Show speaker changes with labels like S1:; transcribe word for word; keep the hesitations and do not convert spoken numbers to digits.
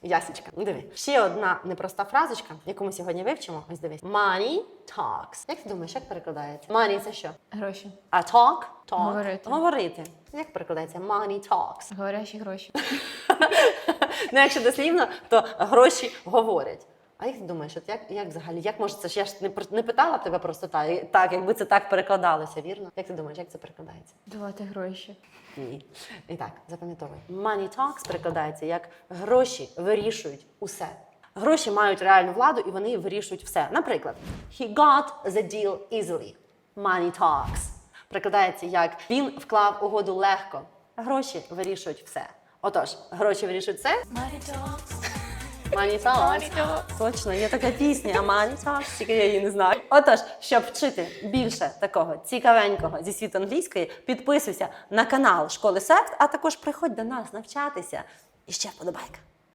S1: Ясічка, ну диви. Ще одна непроста фразочка, яку ми сьогодні вивчимо. Ось дивись. Money talks. Як ти думаєш, як перекладається? Money – це що?
S2: Гроші.
S1: А talk? Talk.
S2: Говорити.
S1: Говорити. Як перекладається? Money talks.
S2: Говорящі гроші.
S1: Ну, якщо дослівно, то гроші говорять. А як ти думаєш, от як, як взагалі, як може це ж я ж не, пр- не питала тебе просто так, так, якби це так перекладалося, вірно? Як ти думаєш, як це перекладається?
S2: Давати гроші.
S1: Ні. І так, запам'ятовуй. Money talks перекладається як гроші вирішують усе. Гроші мають реальну владу і вони вирішують все. Наприклад, he got the deal easily. Money talks. Перекладається як він вклав угоду легко. Гроші вирішують все. Отож, гроші вирішують все.
S2: Money talks.
S1: Money talks. Точно, є така пісня, а Money talks, тільки я її не знаю. Отож, щоб вчити більше такого цікавенького зі світу англійської, підписуйся на канал Школи Сект, а також приходь до нас навчатися. І ще вподобайка.